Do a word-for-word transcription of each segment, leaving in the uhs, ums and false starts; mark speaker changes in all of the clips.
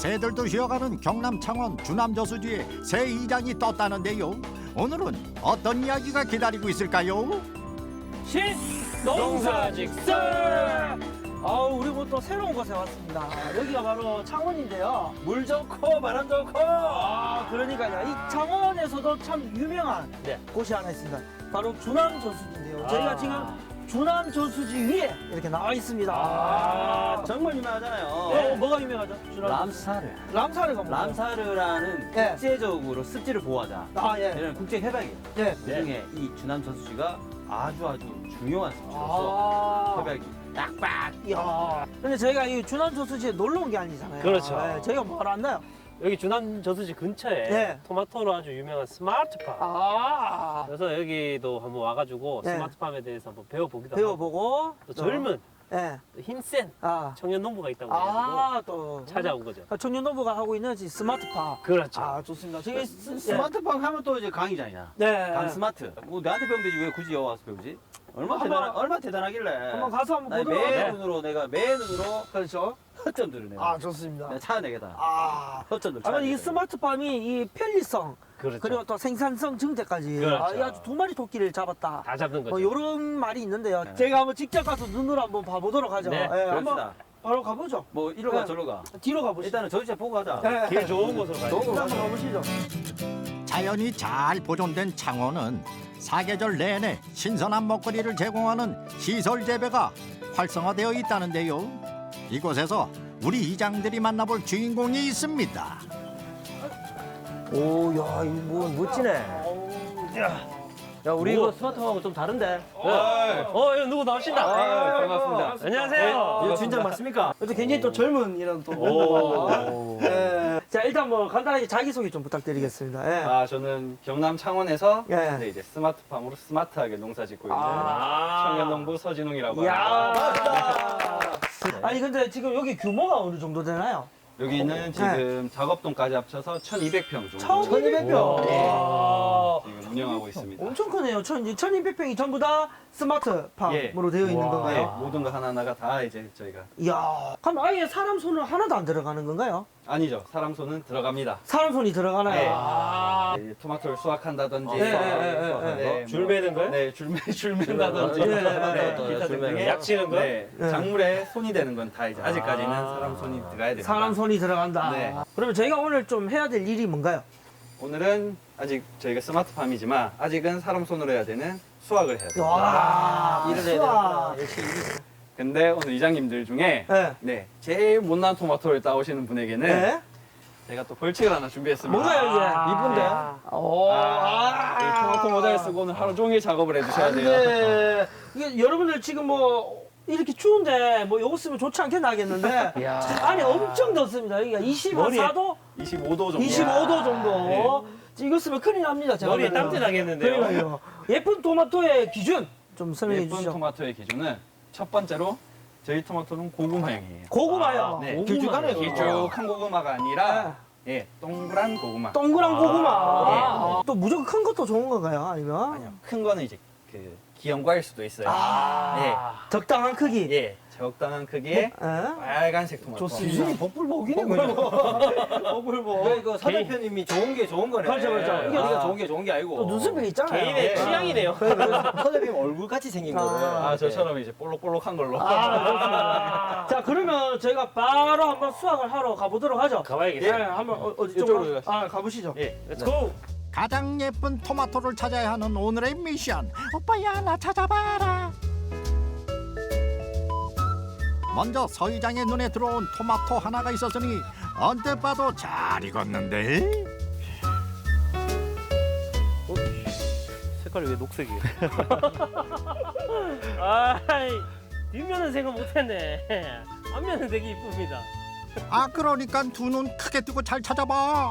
Speaker 1: 새들도 쉬어가는 경남 창원 주남 저수지에 새 이장이 떴다는데요. 오늘은 어떤 이야기가 기다리고 있을까요?
Speaker 2: 신농사직설! 아우, 우리 뭐 또 새로운 곳에 왔습니다. 여기가 바로 창원인데요.
Speaker 3: 물 좋고 바람 좋고.
Speaker 2: 아, 그러니까요. 이 창원에서도 참 유명한
Speaker 3: 네.
Speaker 2: 곳이 하나 있습니다. 바로 주남 저수지인데요.
Speaker 3: 아.
Speaker 2: 저희가 지금 주남 저수지 위에 이렇게 나와 있습니다.
Speaker 3: 아, 정말 유명하잖아요.
Speaker 2: 어, 뭐가 유명하죠? 주남
Speaker 3: 람사르.
Speaker 2: 람사르가 뭐예요?
Speaker 3: 람사르라는
Speaker 2: 네.
Speaker 3: 국제적으로 습지를 보호하자.
Speaker 2: 아, 예.
Speaker 3: 이런 국제 협약이에요.
Speaker 2: 예.
Speaker 3: 그 중에 이 주남 저수지가 아주 아주 중요한 습지로서
Speaker 2: 아.
Speaker 3: 협약이 딱딱.
Speaker 2: 이야. 근데 저희가 이 주남 저수지에 놀러 온 게 아니잖아요.
Speaker 4: 그렇죠.
Speaker 2: 예, 저희가 뭐하러 왔나요?
Speaker 4: 여기 주남 저수지 근처에
Speaker 2: 네.
Speaker 4: 토마토로 아주 유명한 스마트팜.
Speaker 2: 아.
Speaker 4: 그래서 여기도 한번 와가지고
Speaker 2: 네.
Speaker 4: 스마트팜에 대해서 한번 배워보기도 하고
Speaker 2: 배워보고.
Speaker 4: 또 젊은
Speaker 2: 예.
Speaker 4: 또 힘센
Speaker 2: 아.
Speaker 4: 청년 농부가 있다고 해가지고
Speaker 2: 아, 또.
Speaker 4: 찾아온 거죠.
Speaker 2: 청년노부가 하고 있는 이 스마트팜.
Speaker 4: 그렇죠.
Speaker 2: 아, 좋습니다. 저기 스,
Speaker 3: 스마트팜 하면 또 이제 강의잖아.
Speaker 2: 네.
Speaker 3: 강 스마트. 뭐 내한테 배우면 되지 왜 굳이 여기 와서 배우지? 얼마
Speaker 2: 한번-
Speaker 3: 대단 얼마 대단하길래.
Speaker 2: 한번 가서 한번
Speaker 3: 아니,
Speaker 2: 보도록
Speaker 3: 매
Speaker 2: 하죠.
Speaker 3: 눈으로 내가 매 눈으로
Speaker 2: 그렇죠.
Speaker 3: 허점들을 내가.
Speaker 2: 아, 좋습니다.
Speaker 3: 내가 찾아내겠다.
Speaker 2: 아.
Speaker 3: 허점들.
Speaker 2: 아마 이
Speaker 3: 찾아내겠다.
Speaker 2: 스마트팜이 이 편리성
Speaker 4: 그렇죠.
Speaker 2: 그리고 또 생산성 증대까지
Speaker 4: 그렇죠.
Speaker 2: 아, 이 아주 두 마리 토끼를 잡았다.
Speaker 4: 다 잡는 거죠.
Speaker 2: 뭐 이런 말이 있는데요.
Speaker 3: 네.
Speaker 2: 제가 한번 직접 가서 눈으로 한번 봐보도록 하죠.
Speaker 4: 네,
Speaker 2: 예, 한번
Speaker 3: 그럽시다.
Speaker 2: 바로 가보죠.
Speaker 3: 뭐 이리로 가
Speaker 2: 네.
Speaker 3: 저리로 가.
Speaker 2: 뒤로 가보시죠.
Speaker 3: 일단은 저주차 보고 가자.
Speaker 2: 네.
Speaker 4: 길 좋은 곳으로 가야
Speaker 3: 좋은
Speaker 4: 돼요.
Speaker 3: 곳
Speaker 2: 한번 가보시죠.
Speaker 1: 자연이 잘 보존된 창원은 사계절 내내 신선한 먹거리를 제공하는 시설 재배가 활성화되어 있다는데요. 이곳에서 우리 이장들이 만나볼 주인공이 있습니다.
Speaker 3: 오, 야, 이거 뭐 멋지네. 야, 우리
Speaker 4: 뭐?
Speaker 3: 이거 스마트팜하고 좀 다른데?
Speaker 4: 어, 이거 누구 나오신다.
Speaker 3: 아, 반갑습니다.
Speaker 4: 안녕하세요.
Speaker 3: 이거 진작 맞습니까?
Speaker 2: 또 굉장히 또 젊은 이런 또 멤버가 예. 자, 일단 뭐 간단하게 자기소개 좀 부탁드리겠습니다. 예.
Speaker 5: 아, 저는 경남 창원에서
Speaker 2: 예.
Speaker 5: 네, 이제 스마트팜으로 스마트하게 농사 짓고 있는
Speaker 2: 아.
Speaker 5: 청년농부 서진웅이라고 합니다.
Speaker 2: 이야. 아니 근데 지금 여기 규모가 어느 정도 되나요?
Speaker 5: 여기는 지금 작업동까지 합쳐서 천이백 평 정도
Speaker 2: 천이백 평.
Speaker 5: 네.
Speaker 2: 와.
Speaker 5: 지금 운영하고 있습니다.
Speaker 2: 엄청 크네요. 천, 천이백 평이 전부 다 스마트팜으로 되어 있는
Speaker 5: 네,
Speaker 2: 건가요?
Speaker 5: 모든 거 하나하나가 다 이제 저희가
Speaker 2: 이야. 그럼 아예 사람 손은 하나도 안 들어가는 건가요?
Speaker 5: 아니죠. 사람 손은 들어갑니다.
Speaker 2: 사람 손이 들어가나요?
Speaker 5: 네.
Speaker 2: 아.
Speaker 5: 네, 토마토를 수확한다든지
Speaker 2: 네,
Speaker 5: 수확-
Speaker 2: 네, 네, 네,
Speaker 5: 수확-
Speaker 2: 네.
Speaker 5: 뭐,
Speaker 4: 줄 매는 거요?
Speaker 5: 네, 줄, 매, 줄 맨다든지
Speaker 2: 네, 네, 네,
Speaker 3: 네.
Speaker 5: 기타
Speaker 3: 줄
Speaker 5: 등등의
Speaker 3: 매는
Speaker 4: 약 치는 거?
Speaker 5: 네,
Speaker 2: 네.
Speaker 5: 작물에 손이 되는 건 다 이제 아직까지는
Speaker 4: 아.
Speaker 5: 사람 손이 들어가야 됩니다.
Speaker 2: 사람 손이 들어간다.
Speaker 5: 네.
Speaker 2: 그러면 저희가 오늘 좀 해야 될 일이 뭔가요?
Speaker 5: 오늘은 아직 저희가 스마트팜이지만 아직은 사람 손으로 해야 되는 수확을 해야 돼요.
Speaker 2: 와.
Speaker 3: 일을 해야
Speaker 2: 수학.
Speaker 3: 되는구나. 역시 일.
Speaker 5: 근데 오늘 이장님들 중에
Speaker 2: 네.
Speaker 5: 네, 제일 못난 토마토를 따오시는 분에게는
Speaker 2: 네.
Speaker 5: 제가 또 벌칙을 하나 준비했습니다.
Speaker 2: 뭔가요 이게?
Speaker 3: 이쁜데?
Speaker 2: 오.
Speaker 5: 아, 이 토마토 모자를 쓰고 오늘 하루 종일 작업을 해주셔야 돼요.
Speaker 2: 네. 이게 여러분들 지금 뭐 이렇게 추운데 뭐 요거 쓰면 좋지 않게 나겠는데
Speaker 3: 이야.
Speaker 2: 안에 엄청 덥습니다. 여기가 이십사 도,
Speaker 5: 이십오 도 정도.
Speaker 2: 이십오 도 정도. 이거 쓰면 큰일 납니다. 제가
Speaker 4: 머리에
Speaker 2: 보면은.
Speaker 4: 땀띠 나겠는데요.
Speaker 2: 그러니까요. 예쁜 토마토의 기준 좀 설명해
Speaker 5: 예쁜
Speaker 2: 주시죠.
Speaker 5: 토마토의 기준은 첫 번째로 저희 토마토는 고구마형이에요.
Speaker 2: 고구마요.
Speaker 5: 네.
Speaker 2: 고구마.
Speaker 3: 길쭉하네요.
Speaker 5: 길쭉한 고구마가 아니라 예, 동그란 고구마.
Speaker 2: 동그란 고구마.
Speaker 5: 예.
Speaker 2: 또 무조건 큰 것도 좋은 건가요? 아니면?
Speaker 5: 아니요, 큰 거는 이제 그 기형과일 수도 있어요.
Speaker 2: 아. 적당한 크기.
Speaker 5: 예, 예, 적당한 크기의
Speaker 2: 예?
Speaker 5: 빨간색 토마토.
Speaker 2: 좋습니다.
Speaker 3: 기준이 복불복이네 그냥.
Speaker 2: 버블버.
Speaker 3: 왜 이거 사 대표님이 좋은 게 좋은 거네.
Speaker 2: 그렇죠, 그렇죠.
Speaker 3: 이게 우리가 좋은 게 좋은 게 아니고.
Speaker 2: 또 눈썹이 있잖아요.
Speaker 4: 개인의
Speaker 3: 예.
Speaker 4: 취향이네요.
Speaker 3: 사 대표님 얼굴 같이 생긴
Speaker 2: 아.
Speaker 3: 거를.
Speaker 5: 아, 저처럼 이제 볼록볼록한 걸로.
Speaker 2: 아, 그렇습니다. 자, 그러면 저희가 바로 한번 수확을 하러 가보도록 하죠. 예,
Speaker 4: 가봐야겠어요.
Speaker 2: 한번 어, 어디
Speaker 3: 이쪽으로
Speaker 2: 쪽으로
Speaker 3: 가시죠.
Speaker 2: 아, 가보시죠.
Speaker 5: 예,
Speaker 4: Let's go.
Speaker 1: 가장 예쁜 토마토를 찾아야 하는 오늘의 미션. 오빠야 나 찾아봐라. 먼저 서 이장의 눈에 들어온 토마토 하나가 있었으니 언뜻 봐도 잘 익었는데.
Speaker 4: 색깔이 왜 녹색이에요? 아이, 뒷면은 생각 못했네. 앞면은 되게 이쁩니다.
Speaker 1: 아 그러니까 두 눈 크게 뜨고 잘 찾아봐.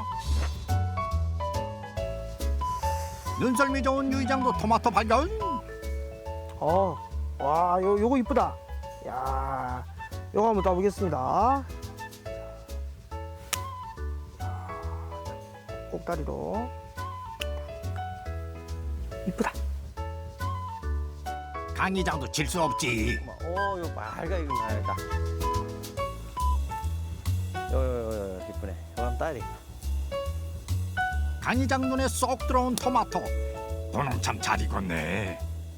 Speaker 1: 눈썰미 좋은 유 이장도 토마토 발견.
Speaker 2: 어, 와, 요, 요거 이쁘다. 야, 요거 한번 따보겠습니다. 꼭다리로. 이쁘다.
Speaker 1: 강 이장도 질 수 없지.
Speaker 3: 오, 이거 빨가 이거 말다. 요요요 이쁘네. 한번 따야 되겠다.
Speaker 1: 강이장 눈에 쏙 들어온 토마토. 너는 참 잘 익었네.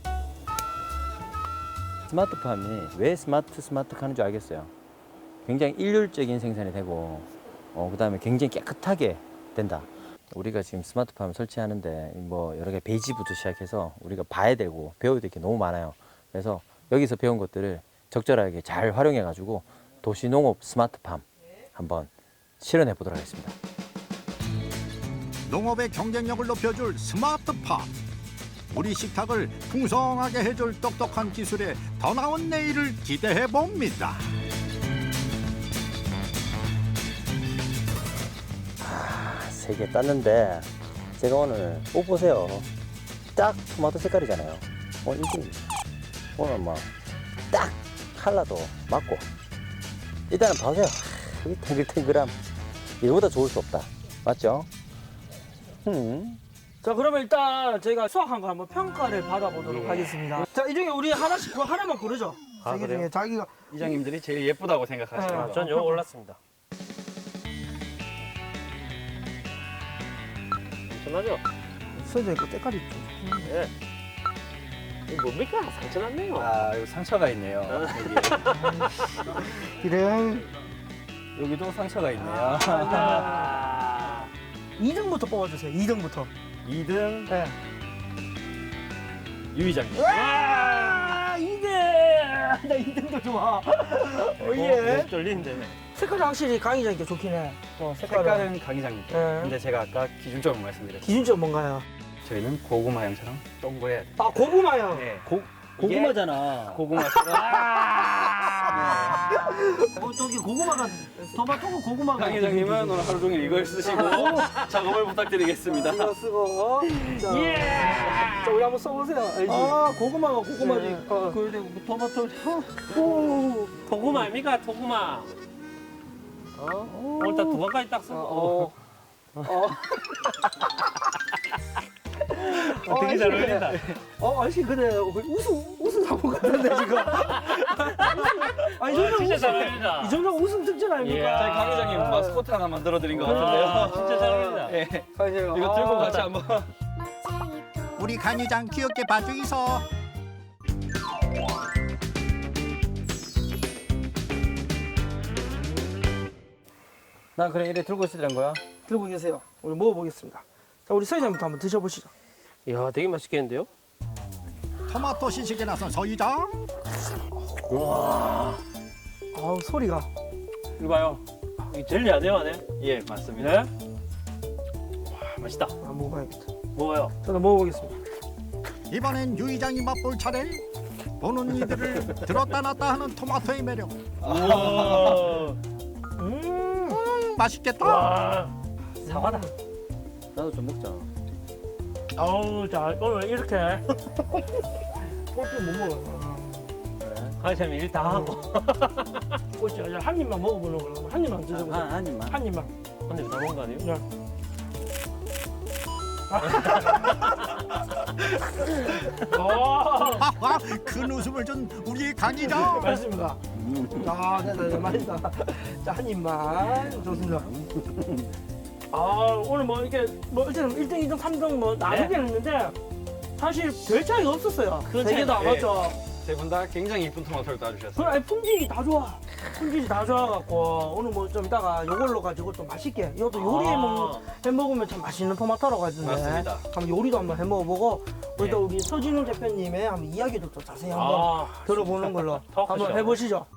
Speaker 3: 스마트팜이 왜 스마트 스마트 하는 줄 알겠어요. 굉장히 일률적인 생산이 되고 어, 그다음에 굉장히 깨끗하게 된다. 우리가 지금 스마트팜을 설치하는데 뭐 여러 개 베이지부터 시작해서 우리가 봐야 되고 배워야 될 게 너무 많아요. 그래서 여기서 배운 것들을 적절하게 잘 활용해 가지고 도시농업 스마트팜 한번 실현해 보도록 하겠습니다.
Speaker 1: 농업의 경쟁력을 높여줄 스마트팜. 우리 식탁을 풍성하게 해줄 똑똑한 기술에 더 나은 내일을 기대해 봅니다.
Speaker 3: 세 개 땄는데 제가 오늘 옷 보세요. 딱 토마토 색깔이잖아요. 오늘 이게 오늘 뭐 딱 컬러도 맞고 일단은 봐세요. 이 탱글탱글함 이거보다 좋을 수 없다. 맞죠? 음.
Speaker 2: 자, 그러면 일단 저희가 수확한 거 한번 평가를 받아보도록 하겠습니다. 자, 이 중에 우리 하나씩 그 하나만 고르죠.
Speaker 4: 아,
Speaker 2: 세 개
Speaker 4: 그래요?
Speaker 2: 중에 자기가
Speaker 5: 이장님들이 제일 예쁘다고 생각하시는
Speaker 2: 네.
Speaker 5: 거.
Speaker 4: 전 요거 올랐습니다. 괜찮아죠?
Speaker 2: 선생님 그 때깔이 좀.
Speaker 4: 예. 이거 뭡니까? 상처 났네요.
Speaker 5: 아, 여기 상처가 있네요. 여기.
Speaker 2: 그래.
Speaker 5: 여기도 상처가 있네요.
Speaker 4: 아,
Speaker 2: 이 등부터 뽑아주세요. 이 등부터.
Speaker 5: 이 등
Speaker 2: 네.
Speaker 5: 유이장님.
Speaker 2: 와, 이 등. 나 이 등도 좋아. 어, 예.
Speaker 4: 목 떨리는데.
Speaker 2: 색깔이 확실히 강의자니까 좋긴 해. 어, 색깔은.
Speaker 5: 색깔은 강이장님.
Speaker 2: 네.
Speaker 5: 근데 제가 아까 기준점을 말씀드렸죠.
Speaker 2: 기준점 뭔가요?
Speaker 5: 저희는 고구마향처럼 동그래야 돼요.
Speaker 2: 아, 고구마요.
Speaker 5: 네.
Speaker 3: 고,
Speaker 5: 이게
Speaker 3: 고구마잖아.
Speaker 5: 고구마처럼.
Speaker 2: 어, 저기 고구마가 토마토고 고구마가.
Speaker 5: 강회장님은 오늘 하루 종일 이걸 쓰시고 작업을 부탁드리겠습니다.
Speaker 2: 이거 쓰고. 자,
Speaker 4: 예!
Speaker 2: 자, 우리 한번 써보세요. 알지? 아, 고구마가 고구마지.
Speaker 5: 네.
Speaker 2: 어. 그런데 토마토. 오.
Speaker 4: 토구마 아닙니까? 토구마. 어? 오늘 딱두 번까지 딱 쓰고.
Speaker 2: 어. 어.
Speaker 4: 어, 되게 잘 어울린다.
Speaker 2: 어, 아저씨 근데 웃음 웃음 사고 같은데 지금. 아, 이
Speaker 4: 어,
Speaker 2: 정도
Speaker 4: 진짜
Speaker 2: 웃음,
Speaker 4: 잘 어울린다.
Speaker 2: 이 정도 웃음 특전 아닙니까?
Speaker 5: 저희 강회장님 마스코트 하나 만들어 드린 것
Speaker 4: 아,
Speaker 5: 같은데요.
Speaker 4: 진짜 잘 어울린다.
Speaker 5: 네.
Speaker 2: 아니요.
Speaker 5: 이거 들고
Speaker 2: 아,
Speaker 5: 같이 한번.
Speaker 1: 우리 간이장 귀엽게 봐주이소.
Speaker 3: 나 그래 이래 들고 있으란 거야?
Speaker 2: 들고 계세요. 우리 먹어보겠습니다. 자, 우리 서희장부터 한번 드셔보시죠.
Speaker 4: 이야, 되게 맛있겠는데요?
Speaker 1: 토마토 시식에 나선 서이장.
Speaker 2: 아우, 소리가.
Speaker 4: 이거 봐요. 이 젤리 아니에요, 안에?
Speaker 5: 예, 맞습니다.
Speaker 4: 네? 와, 맛있다.
Speaker 2: 아, 먹어야겠다.
Speaker 4: 먹어요.
Speaker 2: 저도 먹어보겠습니다.
Speaker 1: 이번엔 유이장이 맛볼 차례. 보는 이들을 들었다 놨다 하는 토마토의 매력.
Speaker 4: 우와.
Speaker 2: 음.
Speaker 1: 음, 맛있겠다.
Speaker 4: 와.
Speaker 3: 사과다. 나도 좀 먹자.
Speaker 4: 아우, 자, 오늘 이렇게
Speaker 2: 꼴찌 못 먹어요.
Speaker 4: 강의사님 일 다 하고.
Speaker 2: 꼴찌 아니라 한 입만 먹어보는 걸로. 한 입만 드셔보세요.
Speaker 3: 한, 한 입만.
Speaker 2: 한 입만.
Speaker 4: 근데 다 먹은 거 아니에요?
Speaker 2: 아,
Speaker 1: 하하, 큰 웃음을 준 우리 강이장.
Speaker 2: 맛있습니다. 아, 네, 네, 네, 맛있다. 자, 한 입만. 좋습니다. 아, 오늘 뭐 이렇게 뭐 일단 일 등, 이 등, 삼 등 뭐 나누긴 했는데 사실 별 차이가 없었어요.
Speaker 4: 큰
Speaker 2: 세 개 다
Speaker 5: 차이가,
Speaker 2: 맞죠?
Speaker 5: 세 분 다 굉장히 이쁜 토마토를 따주셨어요.
Speaker 2: 그럼 아니, 품질이 다 좋아. 품질이 다 좋아갖고 오늘 뭐 좀 이따가 이걸로 가지고 좀 맛있게 이것도 요리해
Speaker 4: 아.
Speaker 2: 먹는 해 먹으면 참 맛있는 토마토라고 하던데.
Speaker 5: 맞습니다.
Speaker 2: 한번 요리도 한번 해 먹어보고 우리 또
Speaker 5: 네.
Speaker 2: 우리 서진웅 대표님의 한번 이야기도 또 자세히 한번
Speaker 4: 아,
Speaker 2: 들어보는 걸로
Speaker 4: 토크쇼.
Speaker 2: 한번 해보시죠.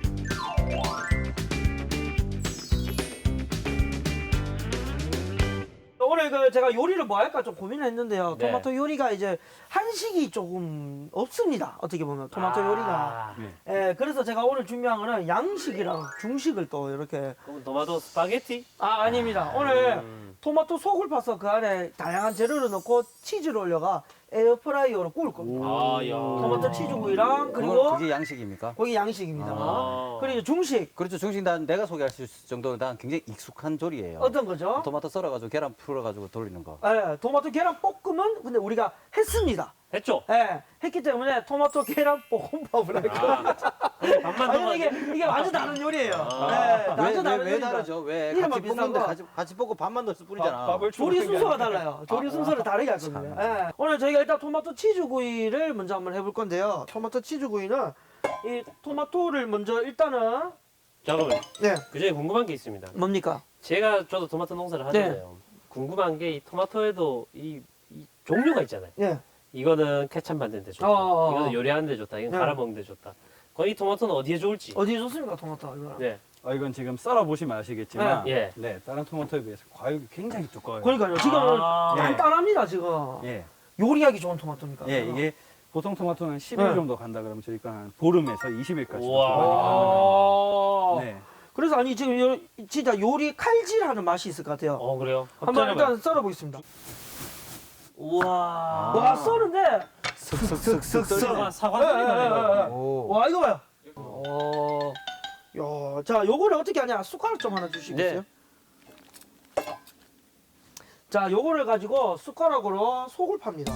Speaker 2: 오늘 그 제가 요리를 뭐 할까 좀 고민을 했는데요.
Speaker 4: 네.
Speaker 2: 토마토 요리가 이제 한식이 조금 없습니다. 어떻게 보면 토마토
Speaker 4: 아.
Speaker 2: 요리가.
Speaker 5: 네.
Speaker 2: 예, 그래서 제가 오늘 준비한 거는 양식이랑 중식을 또 이렇게.
Speaker 4: 그럼 토마토 스파게티?
Speaker 2: 아, 아닙니다. 오늘
Speaker 4: 음.
Speaker 2: 토마토 속을 파서 그 안에 다양한 재료를 넣고 치즈를 올려가 에어프라이어로 구울 겁니다.
Speaker 4: 아, 야.
Speaker 2: 토마토 치즈구이랑
Speaker 3: 그리고
Speaker 2: 그리고
Speaker 3: 그게 양식입니까?
Speaker 2: 거기 양식입니다.
Speaker 4: 아.
Speaker 2: 그리고 중식
Speaker 3: 그렇죠. 중식 난 내가 소개할 수 있을 정도로 난 굉장히 익숙한 조리예요.
Speaker 2: 어떤 거죠?
Speaker 3: 토마토 썰어가지고 계란 풀어가지고 돌리는 거.
Speaker 2: 예, 토마토 계란 볶음은 근데 우리가 했습니다.
Speaker 4: 했죠?
Speaker 2: 예, 했기 때문에 토마토 계란 볶음밥을 할 거야.
Speaker 4: 아, 그럼 밥만 더
Speaker 2: 아니 이게 이게 완전 다른 요리예요.
Speaker 4: 아.
Speaker 2: 예,
Speaker 3: 왜,
Speaker 2: 완전
Speaker 3: 왜,
Speaker 2: 다른
Speaker 3: 왜
Speaker 2: 요리니까.
Speaker 3: 다르죠? 왜
Speaker 2: 이름만
Speaker 3: 같이
Speaker 2: 비슷한
Speaker 3: 볶는데
Speaker 2: 거.
Speaker 3: 같이, 같이 볶고 밥만 넣어서 뿌리잖아.
Speaker 5: 밥을
Speaker 2: 조리
Speaker 5: 주로
Speaker 2: 순서가
Speaker 5: 챙겨야
Speaker 2: 달라요. 조리 순서를 다르게 할 겁니다. 예. 오늘 저희가 일단 토마토 치즈구이를 먼저 한번 해볼 건데요. 토마토 치즈구이는 이 토마토를 먼저 일단은
Speaker 4: 잠깐만.
Speaker 2: 네
Speaker 4: 그 전에 궁금한 게 있습니다.
Speaker 2: 뭡니까?
Speaker 4: 제가 저도 토마토 농사를 하잖아요. 궁금한 게 이 토마토에도 이, 이 종류가 있잖아요.
Speaker 2: 예.
Speaker 4: 이거는 케찹 만드는 데 좋다.
Speaker 2: 어어어.
Speaker 4: 이거는 요리하는 데 좋다. 이건
Speaker 2: 네.
Speaker 4: 갈아 먹는 데 좋다. 그럼 이 토마토는 어디에 좋을지.
Speaker 2: 어디에 좋습니까 토마토 이거는?
Speaker 4: 네.
Speaker 5: 어, 이건 지금 썰어 보시면 아시겠지만
Speaker 4: 예.
Speaker 5: 네, 다른 토마토에 비해서 과육이 굉장히 두꺼워요.
Speaker 2: 그러니까요. 지금
Speaker 4: 아.
Speaker 2: 간단합니다 지금.
Speaker 5: 예.
Speaker 2: 요리하기 좋은 토마토니까.
Speaker 5: 예, 이게 보통 토마토는 십 일
Speaker 2: 네.
Speaker 5: 정도 간다 그러면 저희가 한 보름에서 이십 일까지.
Speaker 4: 우와.
Speaker 5: 네.
Speaker 2: 그래서 아니 지금 요, 진짜 요리 칼질하는 맛이 있을 것 같아요.
Speaker 4: 어 그래요?
Speaker 2: 한번 일단 썰어보겠습니다.
Speaker 4: 우와.
Speaker 2: 와 썰는데
Speaker 3: 슥슥슥슥
Speaker 4: 사과 사과 소리 나네요.
Speaker 3: 오.
Speaker 2: 와 이거 봐요. 어. 야, 자 요거를 어떻게 하냐? 숟가락 좀 하나 주시겠어요?
Speaker 4: 네.
Speaker 2: 자, 요거를 가지고 숟가락으로 속을 팝니다.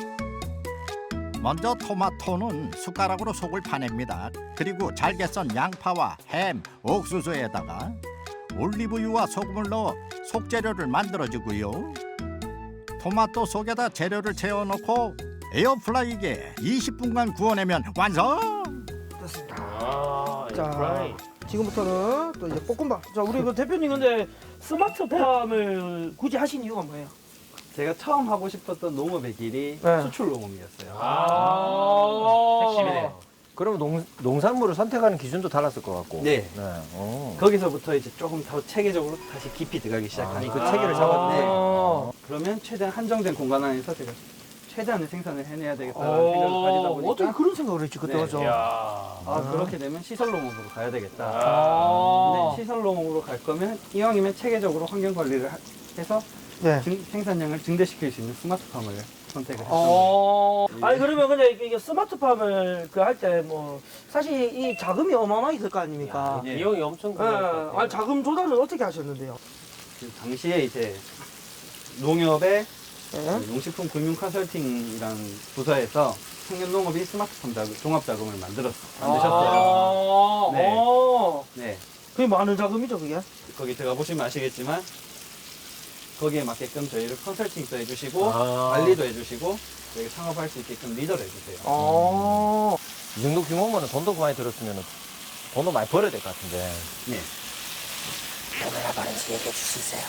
Speaker 1: 먼저 토마토는 숟가락으로 속을 파냅니다. 그리고 잘게 썬 양파와 햄, 옥수수에다가 올리브유와 소금을 넣어 속재료를 만들어주고요. 토마토 속에다 재료를 채워넣고 에어프라이기에 이십 분간 구워내면 완성!
Speaker 2: 됐습니다.
Speaker 4: 아,
Speaker 2: 자,
Speaker 4: 에어프라이.
Speaker 2: 지금부터는 또 이제 볶음밥. 자, 우리 그 대표님 근데 스마트팜을 굳이 하신 이유가 뭐예요?
Speaker 5: 제가 처음 하고 싶었던 농업의 길이
Speaker 2: 네.
Speaker 5: 수출 농업이었어요.
Speaker 4: 아, 핵심이네요.
Speaker 3: 그러면 농, 농산물을 선택하는 기준도 달랐을 것 같고.
Speaker 5: 네.
Speaker 3: 오.
Speaker 5: 거기서부터 이제 조금 더 체계적으로 다시 깊이 들어가기
Speaker 3: 아니,
Speaker 5: 시작하니까
Speaker 3: 그 체계를 잡았네.
Speaker 2: 아.
Speaker 5: 그러면 최대한 한정된 공간 안에서 제가 최대한의 생산을 해내야 되겠다는 생각을 가지다
Speaker 2: 어,
Speaker 5: 보니까
Speaker 2: 어떻게 그런 생각을 했지 그때
Speaker 5: 네.
Speaker 2: 가죠?
Speaker 4: 이야.
Speaker 5: 아, 그렇게 되면 시설 농업으로 가야 되겠다.
Speaker 2: 아.
Speaker 5: 근데 시설 농업으로 갈 거면 이왕이면 체계적으로 환경 관리를 하- 해서
Speaker 2: 네.
Speaker 5: 증- 생산량을 증대시킬 수 있는 스마트팜을 선택을 했습니다.
Speaker 2: 어.
Speaker 5: 예.
Speaker 2: 아니 그러면 근데 이게 스마트팜을 그 할 때 뭐 사실 이 자금이 어마어마하게 들 거 아닙니까?
Speaker 5: 예.
Speaker 4: 비용이 엄청
Speaker 2: 예.
Speaker 4: 큰것 같아요.
Speaker 2: 아니 자금 조달을 어떻게 하셨는데요?
Speaker 5: 그 당시에 이제 농협의
Speaker 2: 예?
Speaker 5: 농식품 금융 컨설팅이라는 부서에서 청년 농업이 스마트팜 자금, 종합 자금을 만들었 만드셨어요.
Speaker 2: 아,
Speaker 5: 네.
Speaker 2: 어.
Speaker 5: 네,
Speaker 2: 그게 많은 자금이죠 그게?
Speaker 5: 거기 들어가 보시면 아시겠지만 거기에 맞게끔 저희를 컨설팅도 해주시고
Speaker 4: 아.
Speaker 5: 관리도 해주시고 저희 상업할 수 있게끔 리더를 해주세요.
Speaker 2: 아.
Speaker 3: 이 정도 규모면 돈도 많이 들었으면 돈도 많이 벌어야 될 것 같은데.
Speaker 5: 네.
Speaker 3: 얼마나 많은지 얘기해 줄 수 있어요?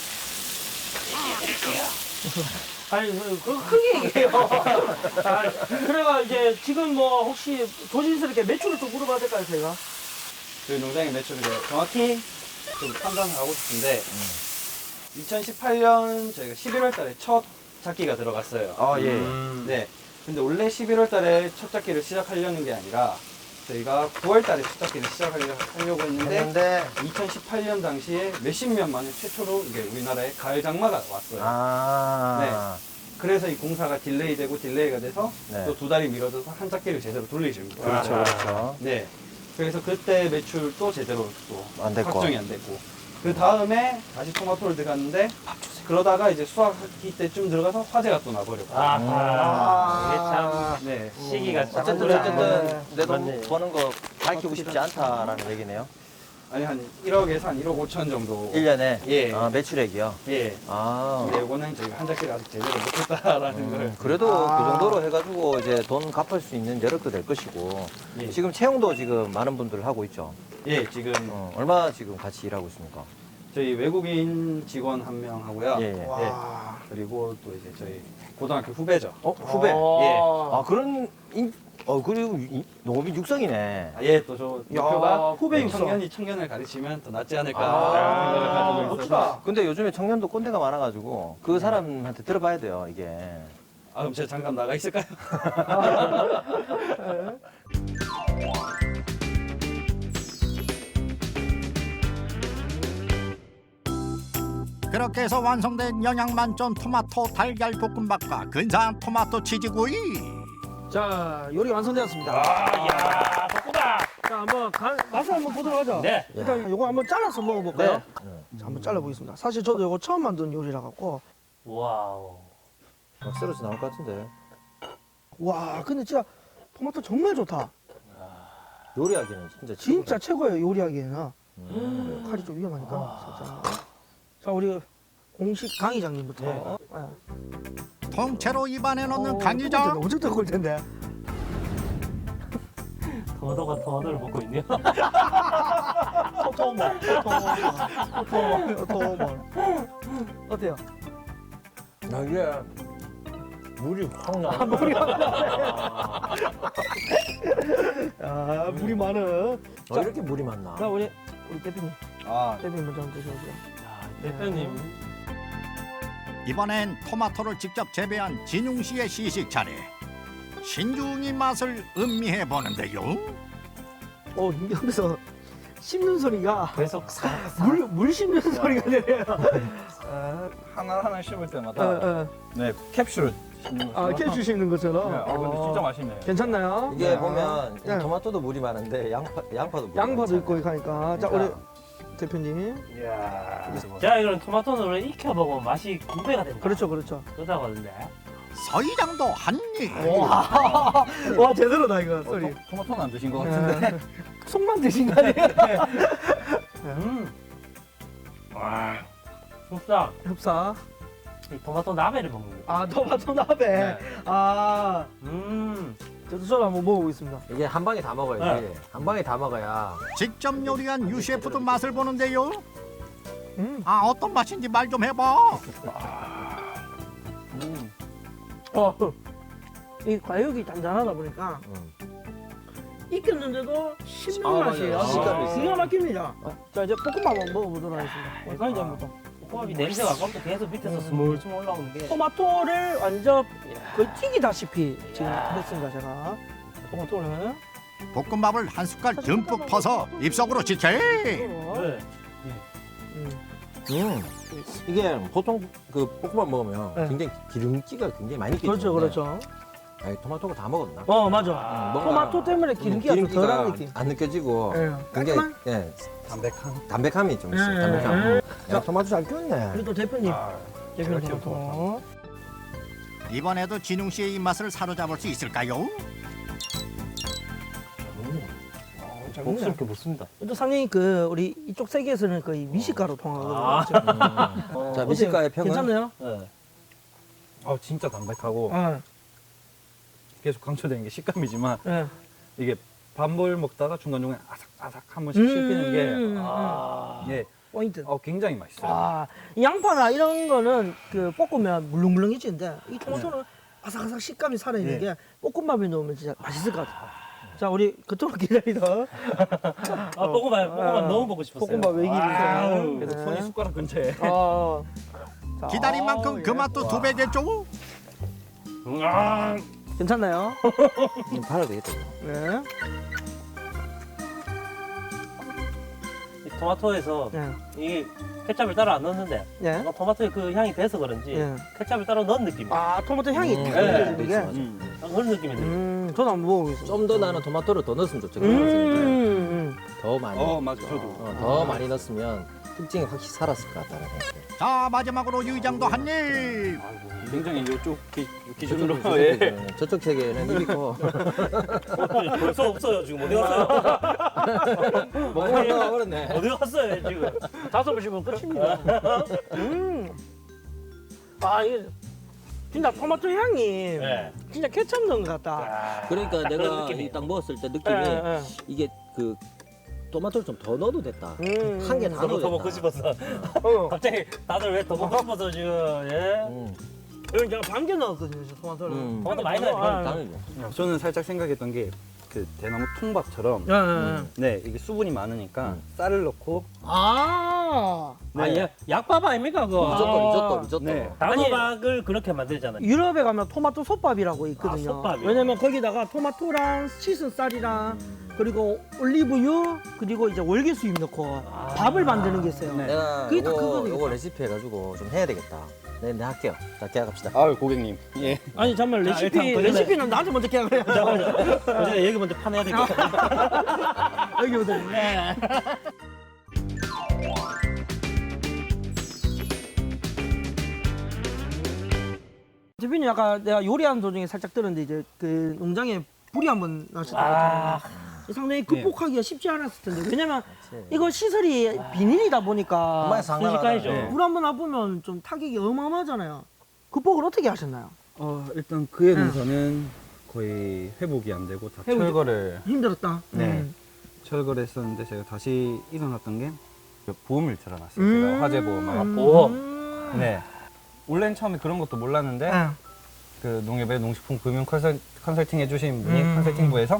Speaker 2: 아니 그, 그 크게 얘기해요. 아, 그래가 이제 지금 뭐 혹시 조심스럽게 매출을 좀 물어봐도 될까요 제가?
Speaker 5: 저희 농장의 매출을 제가 정확히 좀 판단을 하고 싶은데 이천십팔 년 저희가 십일월 달에 첫 작기가 들어갔어요.
Speaker 3: 아, 예.
Speaker 4: 음.
Speaker 5: 네. 근데 원래 십일월 달에 첫 작기를 시작하려는 게 아니라 저희가 구월 달에 첫 작기를 시작하려고 하려고 했는데
Speaker 3: 했는데,
Speaker 5: 이천십팔 년 당시에 몇십 년 만에 최초로 이게 우리나라에 가을 장마가 왔어요.
Speaker 3: 아.
Speaker 5: 그래서 이 공사가 딜레이되고 딜레이가 돼서
Speaker 3: 네.
Speaker 5: 또 두 달이 미뤄져서 한 작기를 제대로 돌리시는 거예요.
Speaker 3: 그렇죠,
Speaker 4: 아.
Speaker 3: 그렇죠.
Speaker 5: 네. 그래서 그때 매출도 제대로 또
Speaker 3: 안 됐고.
Speaker 5: 확정이 안 됐고. 그 다음에 다시 토마토를 들어갔는데 그러다가 이제 수확기 때쯤 들어가서 화재가 또 나버렸고.
Speaker 4: 아하. 이게
Speaker 5: 네.
Speaker 4: 참 시기가 참
Speaker 3: 어쨌든,
Speaker 2: 그래.
Speaker 3: 어쨌든, 내
Speaker 4: 맞네.
Speaker 3: 돈 버는 거 밝히고 싶지 않다라는 얘기네요.
Speaker 5: 아니 한 일억에서 한 일억 오천 정도.
Speaker 3: 일 년에?
Speaker 5: 예.
Speaker 3: 아, 매출액이요?
Speaker 5: 예.
Speaker 3: 아.
Speaker 5: 근데 이거는 저희가 한 작기를 아직 제대로 못했다라는
Speaker 3: 음,
Speaker 5: 걸.
Speaker 3: 그래도
Speaker 2: 아.
Speaker 3: 그 정도로 해가지고 이제 돈 갚을 수 있는 여력도 될 것이고.
Speaker 5: 예.
Speaker 3: 지금 채용도 지금 많은 분들 하고 있죠.
Speaker 5: 예, 지금
Speaker 3: 어, 얼마 지금 같이 일하고 있습니까?
Speaker 5: 저희 외국인 직원 한 명 하고요.
Speaker 3: 예, 예.
Speaker 2: 와.
Speaker 5: 그리고 또 이제 저희 고등학교 후배죠.
Speaker 3: 어, 후배.
Speaker 2: 아,
Speaker 3: 아, 그런, 인, 어, 그리고 이- 농업인 육성이네.
Speaker 5: 아, 예, 또 저
Speaker 2: 야,
Speaker 5: 목표가
Speaker 2: 후배 육성.
Speaker 5: 청년이 청년을 가르치면 더 낫지 않을까
Speaker 3: 아,
Speaker 5: 생각을 가지고 있어서.
Speaker 2: 멋지다.
Speaker 3: 근데 요즘에 청년도 꼰대가 많아가지고 그 사람한테 들어봐야 돼요, 이게.
Speaker 5: 아, 그럼 제가 잠깐 나가 있을까요?
Speaker 1: 그렇게 해서 완성된 영양 만점 토마토 달걀 볶음밥과 근사한 토마토 치즈구이.
Speaker 2: 자 요리 완성되었습니다.
Speaker 4: 아, 야, 덕구다.
Speaker 2: 자 한번 간, 맛을 한번 보도록 하죠.
Speaker 4: 네.
Speaker 2: 일단 요거 한번 잘라서 먹어볼까요?
Speaker 3: 네.
Speaker 2: 자, 한번 잘라보겠습니다. 사실 저도 요거 처음 만든 요리라 갖고
Speaker 4: 와우.
Speaker 3: 막 썰어서 나올 것 같은데.
Speaker 2: 와, 근데 진짜 토마토 정말 좋다.
Speaker 3: 요리하기는 진짜
Speaker 2: 진짜 최고예요, 요리하기에는.
Speaker 3: 음.
Speaker 2: 칼이 좀 위험하니까. 살짝. 자, 우리 공식 강 이장님부터. 네.
Speaker 1: 통째로 입안에 넣는
Speaker 2: 어,
Speaker 1: 강 이장.
Speaker 2: 엄청 뜨거울 텐데.
Speaker 4: 토마토가 토마토를 먹고 있네요.
Speaker 2: 토토몬, 토토몬, 토토몬. 어때요?
Speaker 3: 아, 이게 물이 확 나.
Speaker 2: 아, 물이 많은.
Speaker 3: 어, 이렇게 물이 많나?
Speaker 2: 자, 우리 우리 대표님,
Speaker 5: 아,
Speaker 2: 대표님 먼저 한번 드셔보세요.
Speaker 4: 대표님.
Speaker 1: 이번엔 토마토를 직접 재배한 진웅 씨의 시식 차례. 신중히 맛을 음미해 보는데요.
Speaker 2: 어, 여기서 씹는 소리가
Speaker 4: 계속 사.
Speaker 2: 물, 물 씹는 소리가 들려요. 아,
Speaker 5: 하나하나 씹을
Speaker 2: 어,
Speaker 5: 때마다
Speaker 2: 어.
Speaker 5: 네, 캡슐을 씹는
Speaker 2: 아,
Speaker 5: 것처럼.
Speaker 2: 캡슐 씹는 것처럼.
Speaker 5: 네, 아, 근데 진짜 맛있네요.
Speaker 2: 괜찮나요?
Speaker 3: 이게
Speaker 2: 네.
Speaker 3: 보면 이
Speaker 2: 네.
Speaker 3: 토마토도 물이 많은데 양파 양파도 물이
Speaker 2: 양파도
Speaker 3: 많잖아요.
Speaker 2: 있고 이렇게 하니까. 자, 우리
Speaker 3: 그러니까.
Speaker 2: 대표님.
Speaker 4: 이야. 자, 이거는 토마토는 원래 익혀 먹으면 맛이 두 배가 된다.
Speaker 2: 그렇죠, 그렇죠.
Speaker 4: 그러다고 하던데.
Speaker 1: 서이장도 한 입.
Speaker 2: 와, 와 제대로다 이거
Speaker 5: 어,
Speaker 2: 소리.
Speaker 5: 토, 토마토는 안 드신 것 같은데.
Speaker 2: 네. 속만 드신 거 아니에요?
Speaker 4: 음. 와. 흡사.
Speaker 2: 흡사.
Speaker 4: 이 토마토 나베를 먹는 거.
Speaker 2: 아, 토마토 나베.
Speaker 5: 네.
Speaker 2: 아,
Speaker 4: 음.
Speaker 2: 저도 저도 한번 먹어보겠습니다.
Speaker 3: 이게 한 방에 다 먹어야지.
Speaker 4: 네.
Speaker 3: 한 방에 다 먹어야.
Speaker 1: 직접 요리한 유 셰프도 맛을 보는데요.
Speaker 2: 음.
Speaker 1: 아, 어떤 맛인지 말 좀 해봐.
Speaker 5: 음.
Speaker 2: 어, 이 과육이 단단하다 보니까
Speaker 3: 음.
Speaker 2: 익혔는데도 씹는
Speaker 5: 아,
Speaker 2: 맛이에요.
Speaker 5: 맞아요.
Speaker 3: 식감이 있어요.
Speaker 2: 기가 막힙니다. 자, 이제 볶음밥 한번 먹어보도록 하겠습니다. 우리 강의장부터.
Speaker 4: 호합이 냄새가 아까부터 계속 밑에서 스물스물 올라오는 게.
Speaker 2: 토마토를 완전 거의 튀기다시피 지금 했습니다, 제가. 토마토를.
Speaker 1: 볶음밥을 한 숟갈 듬뿍 퍼서 입속으로 지체.
Speaker 4: 네.
Speaker 2: 음.
Speaker 3: 음. 이게 보통 그 볶음밥 먹으면
Speaker 2: 네.
Speaker 3: 굉장히 기름기가 굉장히 많이 있기
Speaker 2: 그렇죠,
Speaker 3: 때문에
Speaker 2: 그렇죠.
Speaker 3: 아니, 토마토가 다 먹었나?
Speaker 2: 어, 맞아.
Speaker 3: 음, 뭔가
Speaker 2: 토마토 때문에 기름기가 좀
Speaker 3: 기름기가
Speaker 2: 덜한 느낌.
Speaker 3: 안 느껴지고
Speaker 2: 예.
Speaker 3: 굉장히
Speaker 2: 깔끔한?
Speaker 3: 예,
Speaker 5: 담백한.
Speaker 3: 담백함이 좀 있어요.
Speaker 2: 예,
Speaker 3: 담백함.
Speaker 2: 예.
Speaker 3: 야, 토마토 잘 키웠네.
Speaker 2: 우리 또 대표님.
Speaker 5: 아,
Speaker 2: 대표님
Speaker 5: 제가 키운
Speaker 2: 토마토.
Speaker 1: 이번에도 진웅 씨의 입맛을 사로잡을 수 있을까요?
Speaker 2: 잘
Speaker 4: 복스
Speaker 2: 먹네.
Speaker 4: 이렇게 먹습니다.
Speaker 2: 또 상당히 그 우리 이쪽 세계에서는 거의 미식가로 통하거든요.
Speaker 3: 음. 자, 미식가의 평은
Speaker 2: 괜찮나요?
Speaker 4: 네.
Speaker 5: 아, 진짜 담백하고
Speaker 2: 아,
Speaker 5: 계속 강조되는 게 식감이지만
Speaker 2: 예.
Speaker 5: 이게 밥을 먹다가 중간중간에 아삭아삭 한 번씩 씹히는 게
Speaker 2: 음,
Speaker 4: 아.
Speaker 5: 예,
Speaker 2: 포인트.
Speaker 5: 어, 굉장히 맛있어요.
Speaker 2: 아, 이 양파나 이런 거는 그 볶으면 물렁물렁해지는데 이 토마토는 아삭아삭 식감이 살아있는
Speaker 5: 네.
Speaker 2: 게 볶음밥에 넣으면 진짜 맛있을 것 같아요. 자, 우리 그토록 기다리던
Speaker 4: 아, 볶음밥, 볶음밥 너무 먹고 싶었어요.
Speaker 2: 볶음밥 외길이
Speaker 4: 아우.
Speaker 5: 그래서 손이 숟가락 근처에.
Speaker 2: 어. 자,
Speaker 1: 기다린 만큼
Speaker 2: 어,
Speaker 1: 그
Speaker 2: 예.
Speaker 1: 맛도 두 배겠죠?
Speaker 4: 아.
Speaker 2: 괜찮나요?
Speaker 3: 음, 팔아도 되겠다. 이거.
Speaker 2: 네.
Speaker 4: 이 토마토에서
Speaker 2: 네.
Speaker 4: 이게 케찹을 따로 안 넣었는데
Speaker 2: 네.
Speaker 4: 뭔가 토마토의 그 향이 돼서 그런지
Speaker 2: 예.
Speaker 4: 케찹을 따로 넣은 느낌.
Speaker 2: 아, 토마토 향이
Speaker 3: 음,
Speaker 2: 탁
Speaker 4: 네.
Speaker 2: 느껴지는 게.
Speaker 3: 맞아.
Speaker 5: 음.
Speaker 4: 그런 느낌이 들어요.
Speaker 2: 음, 저도 한번 먹어보겠습니다.
Speaker 3: 좀 더 나는 토마토를 더 넣었으면 좋죠.
Speaker 2: 음,
Speaker 3: 음.
Speaker 2: 음.
Speaker 3: 더 많이.
Speaker 5: 어, 맞아. 저도.
Speaker 3: 어, 더 많이 넣었으면 특징이 확실히 살았을 것 같다는 생각이.
Speaker 1: 자, 마지막으로 유 이장도 한 입.
Speaker 5: 굉장히 이쪽 기,
Speaker 3: 저쪽,
Speaker 5: 기준으로
Speaker 3: 저쪽,
Speaker 5: 예.
Speaker 3: 세계는, 저쪽 세계에는 입이 커.
Speaker 4: 벌써 없어요 지금 어디 갔어요?
Speaker 3: 먹으면 그렇네.
Speaker 4: 어디 갔어요 지금?
Speaker 2: 다섯 번 씹으면 끝입니다. 음. 아, 이게 진짜 토마토 향이
Speaker 4: 네.
Speaker 2: 진짜 케첩 넣은 것 같다.
Speaker 3: 그러니까
Speaker 4: 그런
Speaker 3: 내가
Speaker 4: 느낌이에요.
Speaker 3: 이딱 먹었을 때
Speaker 2: 예,
Speaker 3: 느낌이
Speaker 2: 예.
Speaker 3: 이게 그 토마토를 좀 더 넣어도 됐다.
Speaker 2: 음,
Speaker 3: 한 개 다
Speaker 4: 너무
Speaker 3: 넣어도
Speaker 4: 더 먹고
Speaker 3: 됐다.
Speaker 4: 싶어서
Speaker 2: 어.
Speaker 4: 갑자기 다들 왜 더 먹고 싶어서 지금 예?
Speaker 3: 음,
Speaker 2: 이건 제가 반개 넣었거든요, 저 토마토를.
Speaker 3: 음.
Speaker 4: 토마토 많이 넣어요.
Speaker 2: 아,
Speaker 3: 다르죠.
Speaker 5: 저는 살짝 생각했던 게 그 대나무 통밥처럼
Speaker 2: 예, 예, 예.
Speaker 5: 네, 이게 수분이 많으니까
Speaker 3: 음.
Speaker 5: 쌀을 넣고
Speaker 2: 아,
Speaker 4: 아,
Speaker 5: 네.
Speaker 4: 예. 약밥 아닙니까 그거?
Speaker 3: 리조또,
Speaker 2: 아.
Speaker 3: 리조또, 리조또.
Speaker 5: 네.
Speaker 4: 단호박을 그렇게 만들잖아요.
Speaker 2: 유럽에 가면 토마토 솥밥이라고 있거든요.
Speaker 4: 아, 솥밥이요?
Speaker 2: 왜냐면 거기다가 토마토랑 씻은 쌀이랑 그리고 올리브유 그리고 이제 월계수잎 넣고
Speaker 4: 아.
Speaker 2: 밥을 만드는 게 있어요.
Speaker 5: 네.
Speaker 3: 내가
Speaker 2: 그게 딱
Speaker 3: 이거,
Speaker 2: 그거니까.
Speaker 3: 이거 레시피 해가지고 좀 해야 되겠다. 네, 네 할게요. 자, 계약합시다.
Speaker 5: 아유, 고객님. 예.
Speaker 2: 아니 잠깐만
Speaker 5: 자,
Speaker 2: 레시피
Speaker 5: 일단 도전해.
Speaker 2: 레시피는 나한테 먼저 계약을 해야 돼.
Speaker 4: 잠깐만요. 어제 얘기 먼저 파내야 되겠다.
Speaker 2: 여기부터. 네. 대표님 아까 내가 요리하는 도중에 살짝 들었는데 이제 그 농장에 불이 한번 나셨다고 했잖아요. 상당히 극복하기가 쉽지 않았을 텐데 왜냐면 이거 시설이 비닐이다 보니까
Speaker 3: 정말 상당하다.
Speaker 4: 순식간이죠.
Speaker 2: 불 한번 나보면 좀 타격이 어마어마하잖아요. 극복을 어떻게 하셨나요?
Speaker 5: 어, 일단 그에 대해서는 거의 회복이 안 되고 다
Speaker 2: 회복이-
Speaker 5: 철거를
Speaker 2: 힘들었다.
Speaker 5: 네.
Speaker 2: 음.
Speaker 5: 철거를 했었는데 제가 다시 일어났던 게 그 보험을 들어놨어요.
Speaker 2: 음.
Speaker 5: 제가 화재 보험을.
Speaker 4: 아, 보험.
Speaker 2: 음.
Speaker 5: 네. 원래는 처음에 그런 것도 몰랐는데
Speaker 2: 네.
Speaker 5: 그 농협의 농식품 금융 컨설, 컨설팅 해주신 분이
Speaker 2: 음.
Speaker 5: 컨설팅부에서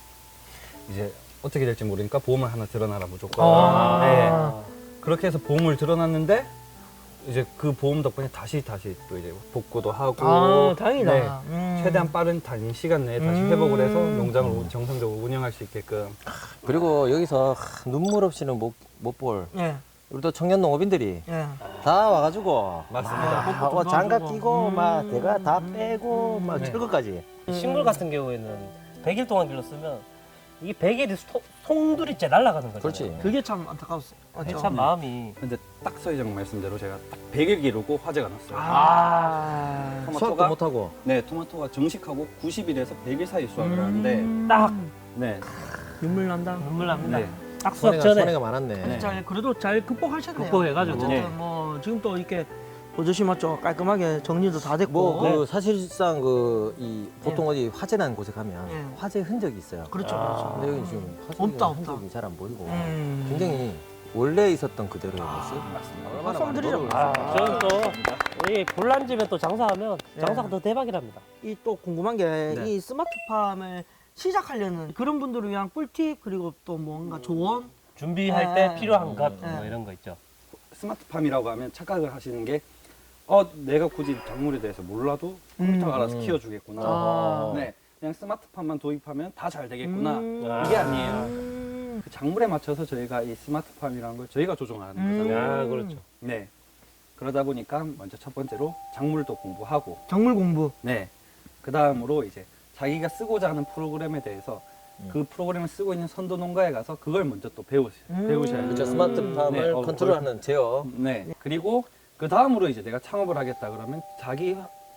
Speaker 5: 이제 어떻게 될지 모르니까 보험을 하나 들어놔라 무조건.
Speaker 2: 아.
Speaker 5: 네. 그렇게 해서 보험을 들어놨는데 이제 그 보험 덕분에 다시 다시 또 이제 복구도 하고
Speaker 2: 아, 다행이다.
Speaker 5: 네.
Speaker 2: 음.
Speaker 5: 최대한 빠른 단위 시간 내에 다시
Speaker 2: 음.
Speaker 5: 회복을 해서 농장을 정상적으로 운영할 수 있게끔.
Speaker 3: 그리고 여기서 하, 눈물 없이는 못 못 볼
Speaker 2: 예,
Speaker 3: 우리 또 청년 농업인들이
Speaker 2: 예.
Speaker 3: 다 와가지고
Speaker 5: 맞습니다.
Speaker 3: 막 하고 장갑
Speaker 2: 도와주고.
Speaker 3: 끼고
Speaker 2: 음.
Speaker 3: 막 대가 다 빼고 막
Speaker 5: 네.
Speaker 3: 철거까지.
Speaker 4: 식물 같은 경우에는 백 일 동안 길렀으면 이게 백 일이 송두리째 날아가는 거죠.
Speaker 3: 그렇지.
Speaker 2: 그게 참 안타까웠어요. 맞죠?
Speaker 4: 참 마음이.
Speaker 5: 근데 딱 서회장 말씀대로 제가 딱 백 일 기르고 화재가 났어요.
Speaker 2: 아.
Speaker 3: 수확도 못 하고.
Speaker 5: 네, 토마토가 정식하고 구십 일에서 백 일 사이 수확을
Speaker 2: 음.
Speaker 5: 하는데
Speaker 4: 딱
Speaker 5: 네,
Speaker 2: 눈물 난다.
Speaker 4: 눈물 납니다.
Speaker 5: 네.
Speaker 4: 딱 수확
Speaker 3: 손해가,
Speaker 4: 전에
Speaker 3: 손해가 많았네.
Speaker 5: 네.
Speaker 2: 잘 그래도 잘 극복하셨네요.
Speaker 4: 극복해가지고.
Speaker 2: 어쨌든
Speaker 5: 네.
Speaker 2: 뭐 지금 또 이렇게 보조심 맞죠? 깔끔하게 정리도 다 됐고.
Speaker 3: 뭐
Speaker 2: 네.
Speaker 3: 그 사실상 그 이 보통 어디 화재 난 곳에 가면
Speaker 2: 네.
Speaker 3: 화재 흔적이 있어요.
Speaker 2: 그렇죠,
Speaker 4: 아.
Speaker 2: 그렇죠.
Speaker 3: 근데 여기 지금 화재
Speaker 2: 없다, 없다.
Speaker 3: 흔적이 잘 안 보이고
Speaker 2: 음.
Speaker 3: 굉장히 원래 있었던 그대로의 모습.
Speaker 5: 맞습니다.
Speaker 3: 얼마나
Speaker 2: 박수 한번 드리죠.
Speaker 3: 많은
Speaker 4: 아,
Speaker 3: 거를
Speaker 4: 저는 또 우리 볼란집에 또 장사하면
Speaker 2: 네.
Speaker 4: 장사가 더 대박이랍니다.
Speaker 2: 이 또 궁금한 게 이
Speaker 5: 네.
Speaker 2: 스마트팜을 시작하려는 그런 분들을 위한 꿀팁 그리고 또 뭔가 조언.
Speaker 4: 준비할
Speaker 2: 네.
Speaker 4: 때 필요한 것,
Speaker 2: 네.
Speaker 4: 뭐 이런 거 있죠.
Speaker 5: 스마트팜이라고 하면 착각을 하시는 게 어, 내가 굳이 작물에 대해서 몰라도 컴퓨터가
Speaker 2: 음.
Speaker 5: 알아서 키워주겠구나.
Speaker 2: 아.
Speaker 5: 네, 그냥 스마트팜만 도입하면 다 잘 되겠구나.
Speaker 2: 음.
Speaker 5: 이게 아니에요.
Speaker 2: 음.
Speaker 5: 그 작물에 맞춰서 저희가 이 스마트팜이라는 걸 저희가 조종하는
Speaker 2: 음.
Speaker 5: 거잖아요.
Speaker 4: 아, 그렇죠.
Speaker 5: 네. 그러다 보니까 먼저 첫 번째로 작물도 공부하고,
Speaker 2: 작물 공부.
Speaker 5: 네. 그 다음으로 이제 자기가 쓰고자 하는 프로그램에 대해서
Speaker 3: 음.
Speaker 5: 그 프로그램을 쓰고 있는 선도 농가에 가서 그걸 먼저 또 배우시,
Speaker 2: 음.
Speaker 5: 배우셔야 돼요.
Speaker 3: 그렇죠. 스마트팜을
Speaker 5: 네, 어,
Speaker 3: 컨트롤하는 제어.
Speaker 5: 네. 그리고 그 다음으로 이제 내가 창업을 하겠다 그러면 자기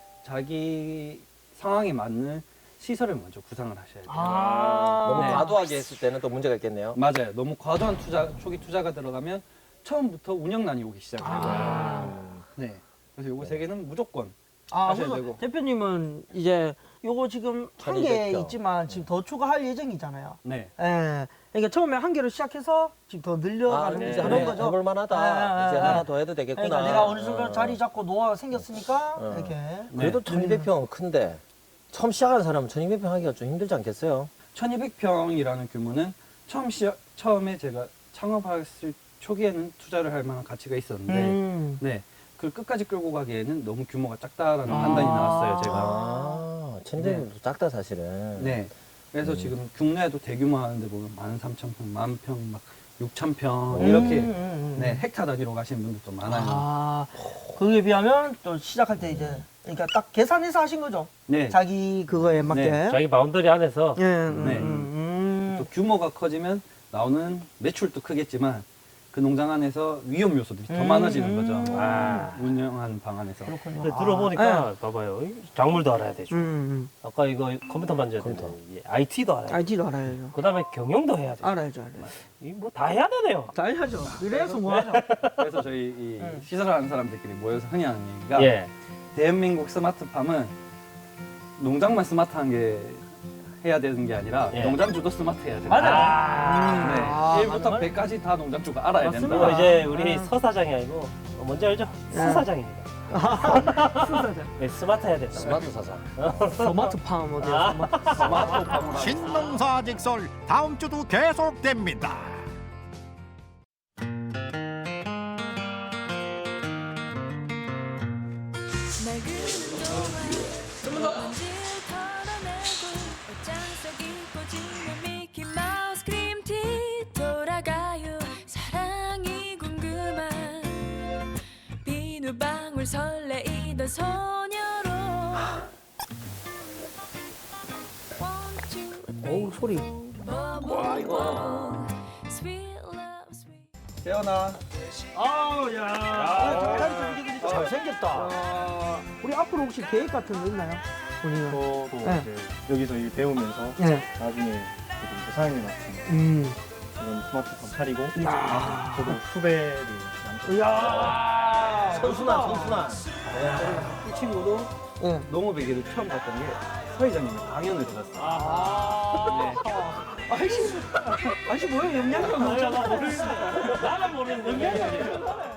Speaker 5: 자기 상황에 맞는 시설을 먼저 구상을 하셔야 돼요.
Speaker 2: 아.
Speaker 3: 너무
Speaker 5: 네.
Speaker 3: 과도하게 했을 때는 또 문제가 있겠네요.
Speaker 5: 맞아요. 너무 과도한 투자 초기 투자가 들어가면 처음부터 운영난이 오기 시작해요.
Speaker 2: 아.
Speaker 5: 네. 그래서 요거 세 개는 무조건
Speaker 2: 아,
Speaker 5: 하셔야
Speaker 2: 그래서
Speaker 5: 되고.
Speaker 2: 대표님은 이제 요거 지금 한 개
Speaker 3: 천이백 평.
Speaker 2: 있지만 지금 더 추가할 예정이잖아요.
Speaker 5: 네.
Speaker 2: 예. 그러니까 처음에 한 개로 시작해서 지금 더
Speaker 3: 아,
Speaker 2: 늘려가는
Speaker 3: 이제
Speaker 4: 네.
Speaker 2: 그런
Speaker 3: 한번
Speaker 2: 거죠.
Speaker 3: 해볼 만하다.
Speaker 2: 아,
Speaker 3: 이제
Speaker 2: 아,
Speaker 3: 하나
Speaker 2: 아.
Speaker 3: 더 해도 되겠구나.
Speaker 2: 그러니까 내가 어느 정도
Speaker 3: 어.
Speaker 2: 자리 잡고 노하우가 생겼으니까
Speaker 3: 어.
Speaker 2: 이렇게.
Speaker 3: 그래도
Speaker 5: 네.
Speaker 3: 천이백 평은 큰데 처음 시작하는 사람은 천이백 평 하기가 좀 힘들지 않겠어요?
Speaker 5: 천이백 평이라는 규모는 처음 시작 처음에 제가 창업했을 초기에는 투자를 할 만한 가치가 있었는데
Speaker 2: 음.
Speaker 5: 네. 그걸 끝까지 끌고 가기에는 너무 규모가 작다라는
Speaker 2: 아.
Speaker 5: 판단이 나왔어요, 제가.
Speaker 3: 아, 천이백 평도 작다 사실은.
Speaker 5: 네. 그래서
Speaker 3: 음.
Speaker 5: 지금 국내에도 대규모 하는데 보면 만 삼천 평, 만 평, 막 육천 평
Speaker 3: 음.
Speaker 5: 이렇게
Speaker 2: 음, 음, 음.
Speaker 5: 네, 헥타 단위로 가시는 분들도 많아요.
Speaker 2: 아, 거기에 비하면 또 시작할 때 이제 그러니까 딱 계산해서 하신 거죠.
Speaker 5: 네.
Speaker 2: 자기 그거에 맞게.
Speaker 5: 네.
Speaker 4: 자기 바운더리 안에서
Speaker 2: 예. 음,
Speaker 5: 네.
Speaker 2: 음,
Speaker 5: 또 규모가 커지면 나오는 매출도 크겠지만 그 농장 안에서 위험 요소들이 더
Speaker 2: 음.
Speaker 5: 많아지는 거죠.
Speaker 4: 아.
Speaker 5: 운영하는 방안에서.
Speaker 2: 그렇군요.
Speaker 4: 근데
Speaker 2: 아,
Speaker 4: 들어보니까 봐봐요. 이 작물도 알아야 되죠.
Speaker 2: 음, 음.
Speaker 4: 아까 이거 컴퓨터 만져야 되고
Speaker 3: 컴퓨터.
Speaker 4: 아이티도 알아야 돼.
Speaker 2: 아이티도 알아야죠.
Speaker 4: 그다음에 경영도 해야 돼.
Speaker 2: 알아야죠, 알아야죠.
Speaker 4: 이뭐 다 해야 되네요.
Speaker 2: 다 해야죠. 그래야 성공하죠.
Speaker 5: 그래서 저희 이
Speaker 2: 음.
Speaker 5: 시설을 하는 사람들끼리 모여서 흔히 하는 얘기가
Speaker 4: 예.
Speaker 5: 대한민국 스마트팜은 농장만 스마트한 게 해야 되는 게 아니라
Speaker 4: 예.
Speaker 5: 농장주도 스마트해야 된다.
Speaker 2: 맞아요.
Speaker 4: 아.
Speaker 5: 네,
Speaker 2: 아,
Speaker 5: 일부터
Speaker 2: 맞네,
Speaker 5: 백까지 다 농장주가 알아야
Speaker 2: 맞습니다.
Speaker 4: 그리고
Speaker 5: 된다.
Speaker 4: 이제 우리
Speaker 2: 아.
Speaker 4: 서 사장이 아니고 어, 뭔지 알죠?
Speaker 2: 네.
Speaker 4: 스 사장입니다.
Speaker 2: 맞아요.
Speaker 4: 네, 스마트 해야 된다.
Speaker 3: 스마트 사상.
Speaker 2: 스마트팜 어디야?
Speaker 4: 아.
Speaker 2: 스마트.
Speaker 5: 스마트팜으로
Speaker 1: 신농사 직설 다음 주도 계속됩니다.
Speaker 6: 옷장 속이 꽂히는 미키마우스 크림티 돌아가요 사랑이 궁금한 비누방울 설레이던 소녀로
Speaker 2: 어우, 소리.
Speaker 6: 와 이거 Sweet love sweet
Speaker 5: 태어나.
Speaker 2: 아우, 야. 야, 잘생겼다.
Speaker 5: 아,
Speaker 2: 우리 앞으로 앞으로 혹시 계획 같은 거 있나요? 본인은?
Speaker 7: 저도
Speaker 2: 네.
Speaker 7: 이제 여기서 일 배우면서
Speaker 2: 네.
Speaker 7: 나중에 이제 사장님 같은
Speaker 2: 음.
Speaker 7: 이런 스마트폰 차리고
Speaker 2: 야.
Speaker 7: 저도 후배를 양쪽
Speaker 2: 이야.
Speaker 3: 선순환, 선순환.
Speaker 5: 이 친구도
Speaker 2: 네.
Speaker 5: 농업에게도 처음 갔던 게 서회장님의 강연을 들었어요.
Speaker 2: 아. 아이씨. 아이씨 뭐야 영양가
Speaker 4: 아, 나 모르겠어. 나는 모르는데.
Speaker 2: 영양가